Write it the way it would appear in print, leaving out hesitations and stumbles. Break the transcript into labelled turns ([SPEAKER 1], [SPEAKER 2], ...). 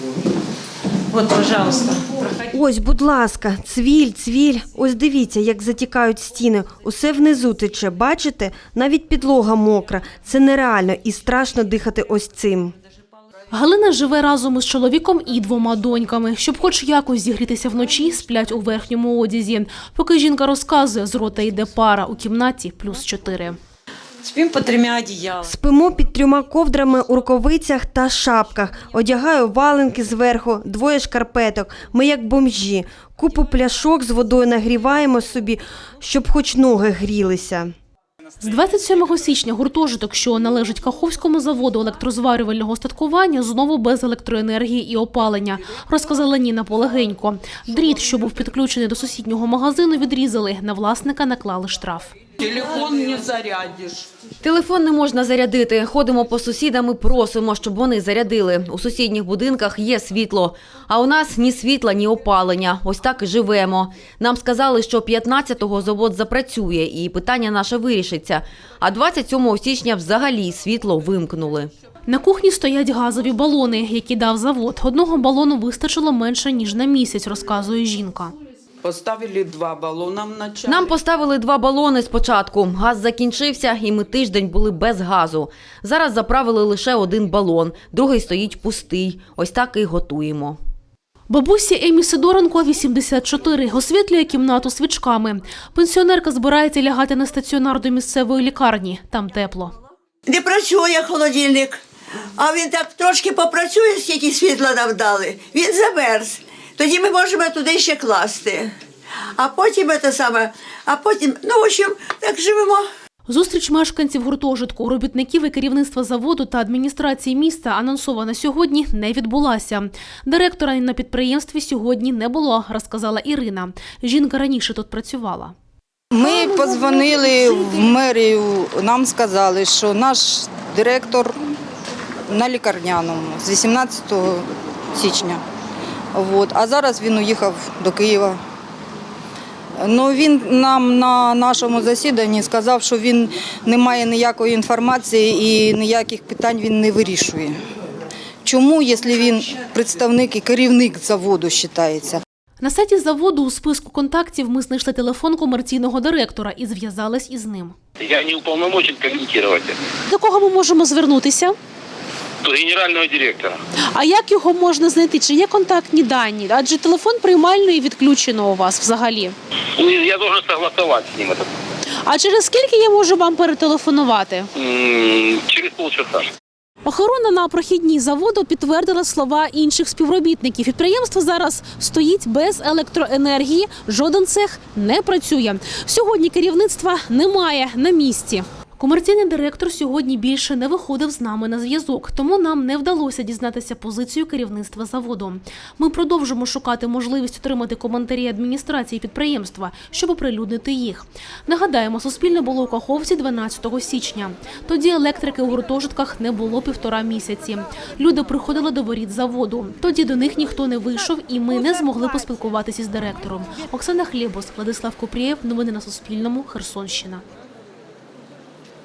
[SPEAKER 1] Вот, пожалуйста.
[SPEAKER 2] Ось, будь ласка, цвіль, цвіль. Ось дивіться, як затікають стіни. Усе внизу тече, бачите? Навіть підлога мокра. Це нереально і страшно дихати ось цим.
[SPEAKER 3] Галина живе разом із чоловіком і 2 доньками. Щоб хоч якось зігрітися вночі, сплять у верхньому одязі. Поки жінка розказує, з рота йде пара, у кімнаті +4.
[SPEAKER 1] Спим по 3 одеялам.
[SPEAKER 2] Спимо під 3 ковдрами у рукавицях та шапках. Одягаю валенки зверху, 2 шкарпеток. Ми як бомжі. Купу пляшок з водою нагріваємо собі, щоб хоч ноги грілися.
[SPEAKER 3] З 27 січня гуртожиток, що належить Каховському заводу електрозварювального устаткування, знову без електроенергії і опалення, розказала Ніна Полегенько. Дріт, що був підключений до сусіднього магазину, відрізали. На власника наклали штраф.
[SPEAKER 4] Телефон не зарядиш.
[SPEAKER 5] Телефон не можна зарядити. Ходимо по сусідам і просимо, щоб вони зарядили. У сусідніх будинках є світло. А у нас ні світла, ні опалення. Ось так і живемо. Нам сказали, що 15-го завод запрацює і питання наше вирішиться. А 27 січня взагалі світло вимкнули.
[SPEAKER 3] На кухні стоять газові балони, які дав завод. 1 балону вистачило менше, ніж на місяць, розказує жінка.
[SPEAKER 4] Поставили 2 балона вначале.
[SPEAKER 5] Нам поставили 2 балони спочатку. Газ закінчився, і ми тиждень були без газу. Зараз заправили лише 1 балон, другий стоїть пустий. Ось так і готуємо.
[SPEAKER 3] Бабусі Емі Сидоренко 84, освітлює кімнату свічками. Пенсіонерка збирається лягати на стаціонар до місцевої лікарні. Там тепло.
[SPEAKER 6] Не працює холодильник, а він так трошки попрацює, скільки світла нам дали. Він замерз. Тоді ми можемо туди ще класти. А потім в общем, так живемо.
[SPEAKER 3] Зустріч мешканців гуртожитку, робітників і керівництва заводу та адміністрації міста, анонсована сьогодні, не відбулася. Директора на підприємстві сьогодні не було, розказала Ірина. Жінка раніше тут працювала.
[SPEAKER 7] Ми подзвонили в мерію, нам сказали, що наш директор на лікарняному з 18 січня. А зараз він уїхав до Києва. Він нам на нашому засіданні сказав, що він не має ніякої інформації і ніяких питань він не вирішує. Чому, якщо він представник і керівник заводу вважається?
[SPEAKER 3] На сайті заводу у списку контактів ми знайшли телефон комерційного директора і зв'язались із ним.
[SPEAKER 8] Я не уполномочен комментировать.
[SPEAKER 3] До кого ми можемо звернутися?
[SPEAKER 8] До генерального директора.
[SPEAKER 3] А як його можна знайти? Чи є контактні дані? Адже телефон приймальної відключено у вас взагалі.
[SPEAKER 8] Я должен согласовать с ним это.
[SPEAKER 3] А через скільки я можу вам перетелефонувати?
[SPEAKER 8] Через полчаса.
[SPEAKER 3] Охорона на прохідній заводу підтвердила слова інших співробітників. Підприємство зараз стоїть без електроенергії, жоден цех не працює. Сьогодні керівництва немає на місці. Комерційний директор сьогодні більше не виходив з нами на зв'язок, тому нам не вдалося дізнатися позицію керівництва заводу. Ми продовжимо шукати можливість отримати коментарі адміністрації підприємства, щоб оприлюднити їх. Нагадаємо, Суспільне було у Каховці 12 січня. Тоді електрики у гуртожитках не було 1,5 місяці. Люди приходили до воріт заводу. Тоді до них ніхто не вийшов і ми не змогли поспілкуватися з директором. Оксана Хлєбос, Владислав Купрієв. Новини на Суспільному. Херсонщина.